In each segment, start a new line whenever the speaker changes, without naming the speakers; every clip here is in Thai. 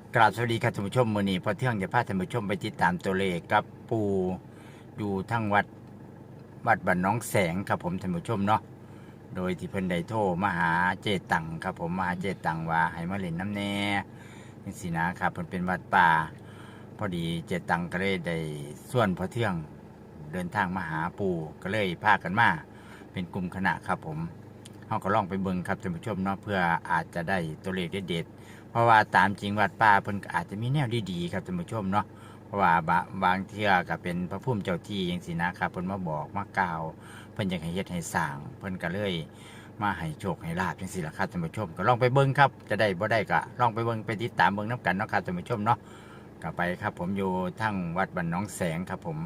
กราบสวัสดีครับท่านผู้ชมมื้อนี้พอเที่ยงจะพาท่านผู้ชมไปติดตามตัวเลขกับปู่อยู่ทั้งวัดบ้านหน้องแสงครับผมท่านผู้ชมเนาะโดยที่เพิ่นได้โทรมาหาเจตังครับผมมาหาเจตังว่าให้มาเล่นน้ำแน่จังซี่นะครับเพิ่นเป็นวัดป่าพอดีเจตังก็เลยได้ส่วนพอเที่ยงเดินทางมาหาปู่ก็เลยพากันมาเป็นกลุ่มคณะครับผมเฮาก็ลองไปเบิ่งครับท่านผู้ชมเนาะเพื่ออาจจะได้ตัวเลขเด็ดๆเพราะว่าตามจริงวัดป่าเพิ่นก็อาจจะมีแนวดีๆครับท่านผู้ชมเนาะเพราะว่าบางเที่ยก็เป็นพระภูมิเจ้าที่จังซี่นะครับเพิ่นมาบอกมากล่าวเพิ่นอยากให้เฮ็ดให้สร้างเพิ่นก็เลยมาให้โชคให้ลาภจังซี่ล่ะครับท่านผู้ชมก็ลองไปเบิ่งครับจะได้บ่ได้ก็ลองไปเบิ่งไปติดตามเบิ่งนํกันเนาะครับท่านผู้ชมเนาะก็ไปครับผมอยู่ทั้งวัดบ้านหนองแสงครับผม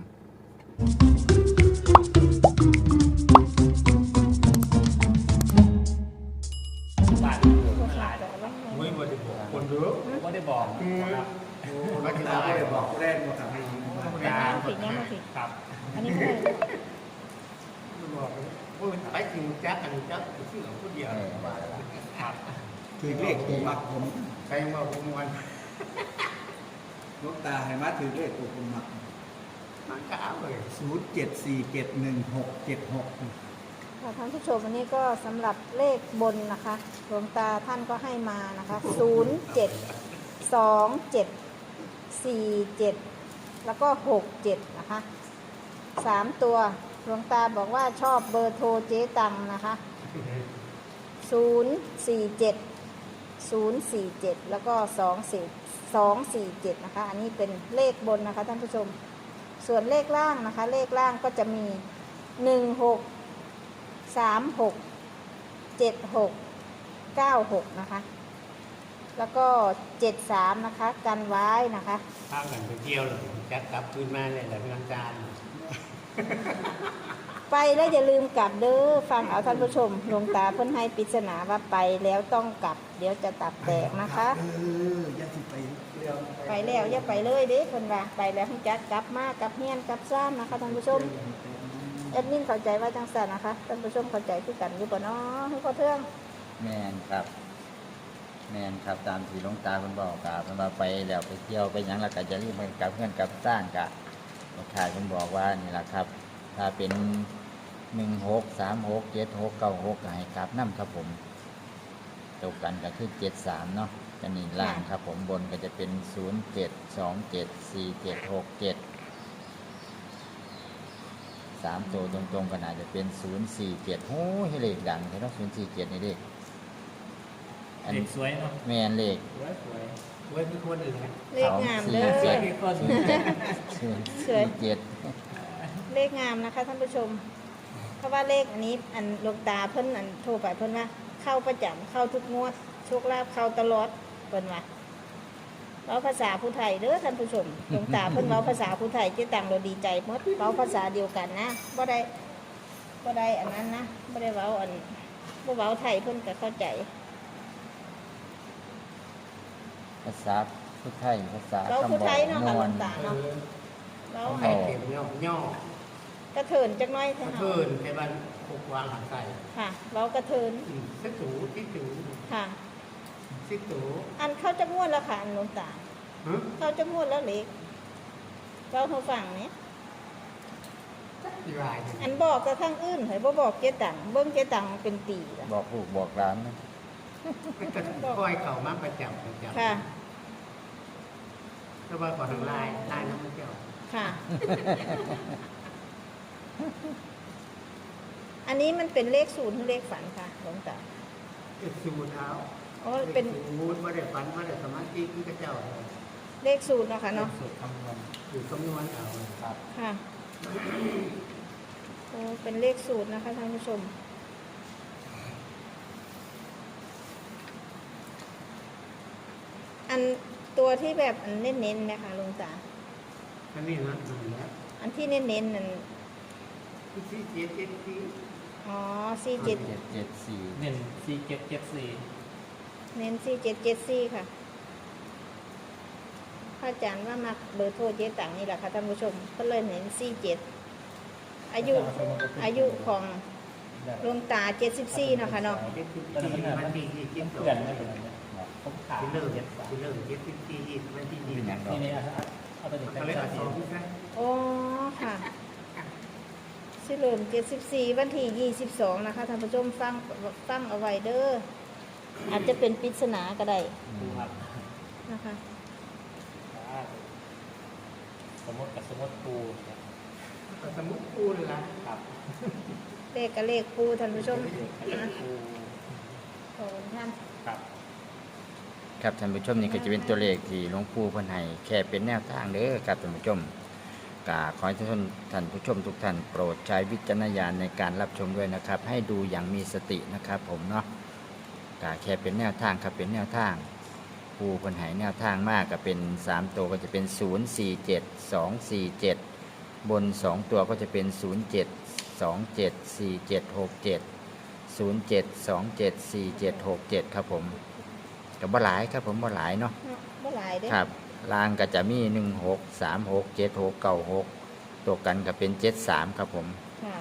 บ้านหลายไม่ได้บอกคนเยอะไม่ได้บอกครับไม่ได้บอกผู้เล่นมาทำให้ยิง
ผิดเนี่ยมาผิด
ครับ
อันนี้ไม่ได้
บอกว่าไปจริงแจ๊กอันนี้แจ๊กชื่อของผู้เดียวครับ
ถือเลขตัวมักผม
ใครมาผมวัน
ลูกตาให้มาถือเลขตัวผมมัก
มันก็เอาเลย
07471676
ค่ะท่านผู้ชมวันนี้ก็สำหรับเลขบนนะคะหลวงตาท่านก็ให้มานะคะ072747แล้วก็67นะคะ3ตัวหลวงตาบอกว่าชอบเบอร์โทรเจ๊ตังนะคะ047แล้วก็247นะคะอันนี้เป็นเลขบนนะคะท่านผู้ชมส่วนเลขล่างนะคะเลขล่างก็จะมี16367696นะคะแล้วก็73นะคะกันไว้นะคะ
ข้าวกันไปเที่ยวเลยแจ๊กกลับคืนมาเลยแต่เป็นวันจันทร์
ไปแล้วอย่าลืมกลับเด้อฟังเอาท่านผู้ชมหลวงตาเพิ่นให้ปริศนาว่าไปแล้วต้องกลับเดี๋ยวจะตับแตกนะคะ
อย่าสิไปเรื่อง
ไปแล้วอย่าไปเลยเด้เพิ่นว่าไปแล้วให้จัดกลับมากลับเฮียนกลับซ่านนะคะท่านผู้ชมแอดมินเข้าใจว่าจังซั่นนะคะท่านผู้ชมเข้าใจคือกันอยู่บ่เนาะให้พอเทื่อง
แม่นครับตามที่หลวงตาเพิ่นบอกครับเพิ่นว่าไปแล้วไปเที่ยวไปหยังแล้วก็จะรีบไปกลับเพื่อนกลับสร้างกะหลวงตาเพิ่นบอกว่านี่ล่ะครับถ้าเป็น16367696ก็ให้กลับนํครับผมตกกันก็คือ73เนาะจะนี่ล่างครับผมบนก็จะเป็น07274767 3ตัวตรงๆก็น่าจะเป็น047โอ้ยเลขดังเนาะ047นี่เลข
เด็กสวยเนาะ
แม่นเลข
สวยสวยคือคนอื่น
เลขงามเด้อ
สวยคือคนอื่น
047
เลขงามนะคะท่านผู้ชมเพราะว่าเลขอันนี้อันหลวงตาเพิ่นอันโทรไปเพิ่นว่าเข้าประจำเข้าทุกงวดโชคลาภเข้าตลอดเพิ่นว่าเว้าภาษาผู้ไทยเด้อท่านผู้ชมหลวงตาเพิ่นเว้าภาษาผู้ไทยเจ๊ตังเราดีใจหมดเว้าภาษาเดียวกันนะบ่ได้อันนั้นนะบ่ได้เว้าอันบ่เว้าไทยเพิ่นก็เข้าใจ
ภาษาพุทธไทยภาษา
เรา
คำ
ผู้
บอ
ไท
ก
ยเนาะ
น
ค่ะ
ว
หล
ล
วงตาเนาะเว้า
ใคร
ให้
เก็บย่อก
ระเถินจักหน้อย
ก
เท่า
ระ
นั้น
เทินในบ้านปกวางหางไก่
ค่ะเว้ากระเถิน
ซิกตูซิกตู
ค่ะ
ซิกตู
อันเข้าจักงวดแล้วค่ะอันหลวงตา
ฮะ
เข้าจักงวดแล้วเล็กเว้าให้ฟังเนี่ย
ที่ลาย
อันบอกแต่ทางอื่นให้บ่บอกเจ๊ตังเบิ่งเจ๊ตังเป็นปีแล้ว
บอกลูกบอกหลานนะ
ก็ค่อยเข่ามาประจำ
ค่ะ
ก็ว่าก่อนทางลายน้ำมันเจ้า
ค่ะ อันนี้มันเป็นเลขศูนย์หรือเลขฝันค่ะหลวงตา
เป็นสูเท้า
อ๋อเป็น
มูดมาได้ฝันมาได้สมาธิที่กระเจ้า
เลขศูนย์เนาะค่ะเนาะ
สูตรคำนวณอยู่คำนวณเอาครับ
ค่ะโอ้เป็นเลขศูนย์นะคะท่านผู้ชมอันตัวที่แบบอันเน้นๆนะคะหลวงตา
อันนี้นะดูแล้ว
อันที่เน้นๆนั่น
ที่เจ็ดเจ็ดที่
อ๋อ47
774
เน้นสี่เจ็ดเจ็ดสี่
เน้น4774ค่ะพระอาจารย์ว่ามักเบอร์โทรเจ๊ตังนี่แหละค่ะท่านผู้ชมก็เลยเน้น47อายุของหลวงตา74เนาะค่ะเนาะ
เจ็ดสิบสี่มันดีที่เจ็ดสองผมขาด
ที่เริ่มที่ไม่ที่
เป็นอย่างดอก
นี่เอาตัวเด็กไป
เขาเลย
เอา
เอา
ส
ส
อ
อง งที่ใช่
โอ้ค่ะสิเริ่ม74วันที่22นะคะท่านผู้ชมฟังเอาไว้เด้ออาจจะเป็นปริศนาก็ได้
ดูครับ
นะคะ
สมมติกับสมมติปู
สมมุติพูดละ
ครับ
เลขกับเลขปูท่านผู้ชมนะ
ปู
ขอบคุณท่าน
ครับ
ครับท่านผู้ชมนี่ก็จะเป็นตัวเลขที่หลวงปู่เพิ่นให้แค่เป็นแนวทางเด้อครับท่านผู้ชมกาขอให้ท่านผู้ชมทุกท่านโปรดใช้วิจารณญาณในการรับชมด้วยนะครับ ให้ดูอย่างมีสตินะครับ ผมเนาะกาแค่เป็นแนวทางครับเป็นแนวทางปู่เพิ่นให้แนวทางมากก็เป็น3ตัวก็จะเป็น047 247บน2ตัวก็จะเป็น07 27 47 67 07274767ครับผมกับบ่หลายครับผมบ่หลายเนาะ
เนาะบ่หลายเด้
ครับลางก็จะมี16367696ตัวกันก็เป็น73ครับผม
ค่ะ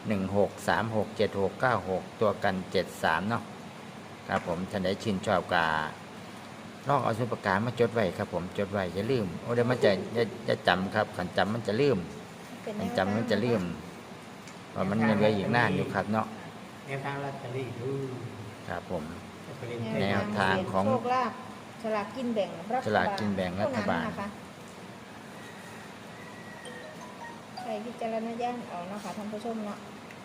16367696ตัวกัน73เนาะครับผมท่านใดชื่นชอบกาลองเอาสมุดปากกามาจดไว้ครับผมจดไว้อย่าลืมโอ้เดี๋ยวมันจะจำครับขันจำมันจะลืม
เป็นแน
ขัน
ว
จำมันจะลืมว่ามันยังเหลืออีกนานอยู่ครับเนาะ
แนวทางลอตเตอรี่ดู
ครับผม
ไปเล่น
แนวทางของ
โชคลาภฉลากกินแบ่งรัฐบาล
ฉลากกินแบ่งรัฐบาล
เท่นั้นนะคะใช้วิจารณญาณเอาเนาะค่ะท่านผู้ชมเนาะ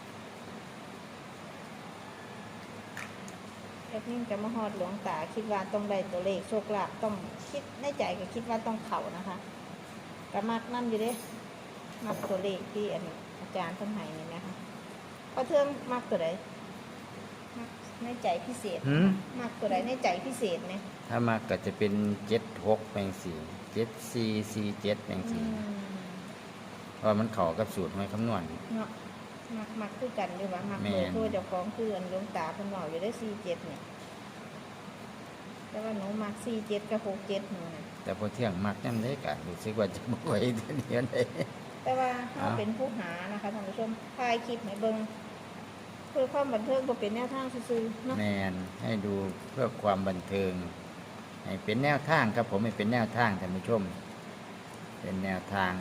แอดมินจะมาฮอดหลวงตาคิดว่าต้องได้ตัวเลขโชคลาภต้องคิดในใจก็คิดว่าต้องเข่านะคะกระมักนั่นอยู่เด้มักตัวเลขที่อาจารย์เพิ่นให้นี่นะคะพอเทืองมักตัวใดมักในใจพิเศษ
หืม
มักตัวใดในใจพิเศษไหม
ถ้ามาก็จะเป็น76แปลง4 7447แปลง
อื
4
ม
เพราะมันเข้ากับสูตรหวยคำนวณ
เนาะมักคือกันอยู่ว่ามัก
แม่
เลย
น
ตัวเจ้าของคืออันหลวงตาเพิ่นบอกอยู่ได้47เนี่ยแต่ว่าหนูมัก47กับ67หนูน่ะ
แต่พอเที่ยงมักนั่นได้กะรู้สึกว่าจะบ่ไหวเดี๋ยวนี้
แต่ว่าเรา
อ้าว
เป็นผู้หานะคะท่านผู้ชมถ่ายคลิปให้เบิ่งเพื่อความบันเทิงบ่เป็นแนวทางซื่อๆเนาะ
แมนให้ดูเพื่อความบันเทิงให้เป็นแนวทางครับผมให้เป็นแนวทางท่านผู้ชม เป็นแนวทาง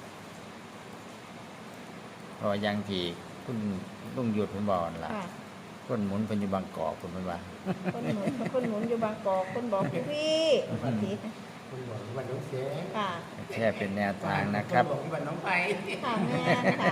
เพราะอย่างที่คุณลุงหยุดคุณบอกนั่นล่ะ
ค่ะ
คนหมุนเป็นอยู่บางกอกคุณเป็นว่า
คนหมุนอยู่บางกอกคนบอกพี่บางที
คุณบอกว่าน้องเสีย
ค่ะ
แค่เป็นแนวทางนะครับ
บอกว่าน้องไป
ค่ะแม่นค่ะ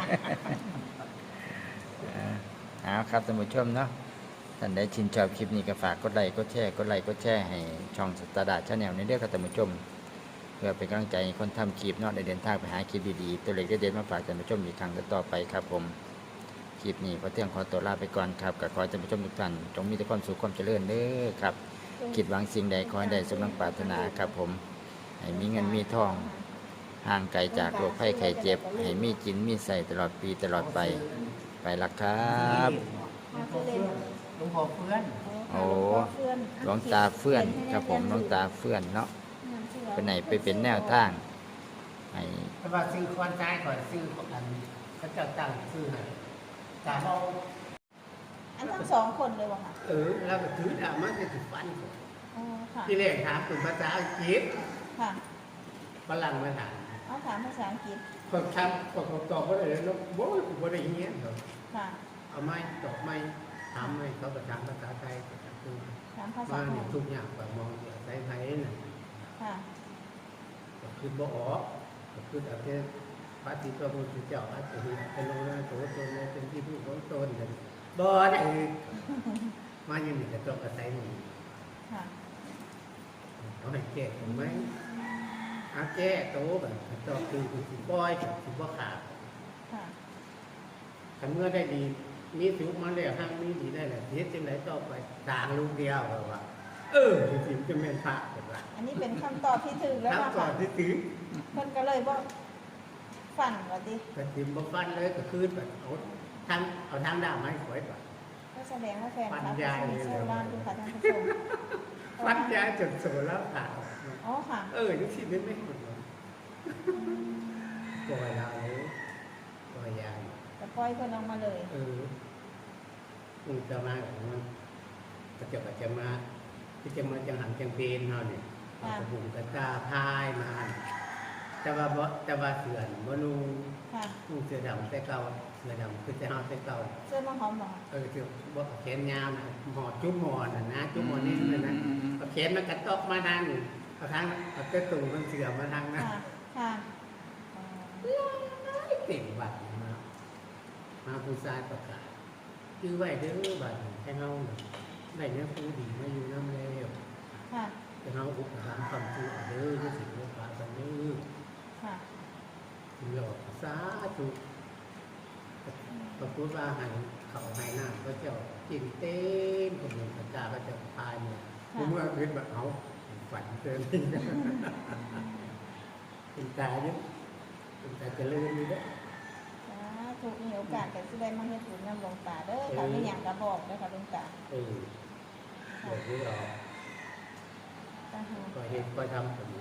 เอาครับท่านผู้ชมเนาะท่านได้ชินชอบคลิปนี้ก็ฝากกดไลค์กดแชร์กดไลค์กดแชร์ให้ช่องสตาร์ดาชาแนลในเรื่องครับท่านผู้ชม เพื่อเป็นกำลังใจให้คนทำคลิปเนาะได้เดินทางไปหาคลิปดีๆตัวเล็กเด็ดๆมาฝากท่านผู้ชมอีกครั้งต่อไปครับผมคลิปนี้พอเที่ยงขอตัวลาไปก่อนครับก็ขอให้ท่านผู้ชมทุกท่านจงมีแต่ความสุขความเจริญเด้อครับคิดหวังสิ่งใดขอให้ได้สมดังปรารถนาครับผมให้มีเงินมีทองห่างไกลจากโรคภัยไข้เจ็บให้มีกินมีใส่ตลอดปีตลอดไปไปละครับ
มาคือเล่น
หลวงพ่อเพื่อน
โอ้หลวงตาเฟื่อนครับผมหลวงตาเฟื่อนเนาะเป็นไหนไปเป็นแนวทางให้
แต่ว่าซื้อควันใจก่อนซื้ออันเขาจะตั้งซื้อให้ตามเอา
อันทั้งสองคนเลยวะค่ะ
แล้วก็ถือดาบมาจะถือฟัน
อ๋อค่ะ
ที่แรกถามเป็นภาษาอังกฤษ
ค่ะ
ฝรั่งมาถาม
เอาถามภาษาอังกฤษ
คนทำคนตอบว่าอะไรแล้วโบ้ยกูไม่ได้เงี้ยเหรอ
ค่ะ
เอาไม้ตอบไม้ถามไม้เขาก็ถามภาษาไทยก็ถามคือ
ถามภาษา
ว่า
ไท
เนี่ย
ย
ทุกอย่างแบบมองอย่างไทยๆน่ะ
ค่ะ
ก็คือบ่ออกก็คือเอาแค่พระที่พระพุทธเจ้าอาจจะเป็นลงนะตัวตนในเป็นที่ผู้ของตนกันบ่ได้มาอยู่นี่ก็ต้องอาศัยนี่
ค่ะ
เขาให้แก้ถูกไหมอาแก้โตแบบต่อคือสิบ่อยสิบ่ขาด
ค่ะ
ถ้าเมื่อได้ดีมีสุขมาแล้วห้างมีดีได้แหละเฮ็ดจังไดต่อไปต่างลูกเดียวแบบว่า จริงๆจะแม่นพระแบบว่า
อันนี้เป็นคำตอบที่ถูกแล้ว
ครับ
ล่ะ
ก่อ
ค่ะ
นที่ถือ
เพิ่นก็เลยบอกฝันว่าดิ
ก็ติมบ่ฟันเลยก็คือแบบเอาทางด้ามไม้ขอยก่อน
ก็แสดงว่าแฟนคลับ
ปัญญา
มี
เลย
โซลาร์ดูค่ะท่านผู้ชม
ฟันยาจนโสแล้วขาด
อ๋อค่ะ
นี่สิไม่หมดเลยปล่อยเราเลยปล่อยยา
แต่ปล่อยเพิ่นออกมาเลย
มึงจะมาของมันก็จะมาที่จะมาจังหันจังเบนเฮานี่กระบุงกระตาพายมาแต่ว่าเสือนบ่นุ่ง
ค่ะ
นุ่งเสื้อดำแต่เก่าเสื้อดำคือแต่เฮาแต่เก่า
เสื้อมาหอมบ่
เสื้อบ่แขนยาวนะหอจุ๊บหมอนนะจุ๊บหมอนนี่เลยนะเอาแขนมันกระตอกมาทางนี่เอาทางเอาเสื้อตุ่มมันเสือมาทางนะ
ค่ะค่ะ
เต็มบัตรมาผู้ชายประกาศชื่อไว้เด้อบัตรให้เฮาได้เนื้อผู้ดีมาอยู่น้ำแล้ว
ค่ะ
จะเฮาอุปถัมภ์ความชั่วเด้อที่สิบ่ปากันเด้อ
ค่ะ
คุณหลอกสาธุพระพุทธว่าให้เขาให้น้ำพระเจ้ากินเต้นขบวนพระเจ้าพระเจ้าพายเนี่ยเมื่อเห็นแบบเอาฝันเกินเป็นตาเยอะเป็นตาเจริญอยู่เด้อ
ถูกมีโอกาสก็สิได้มาเฮ็ดบุญนำหลวงตาเด้อค่ะมีหยังก็บอกเด้อค่ะหลวงตา
เดี๋ยวนี้เรา
ตาหู
ก็เห็นก็ทำผม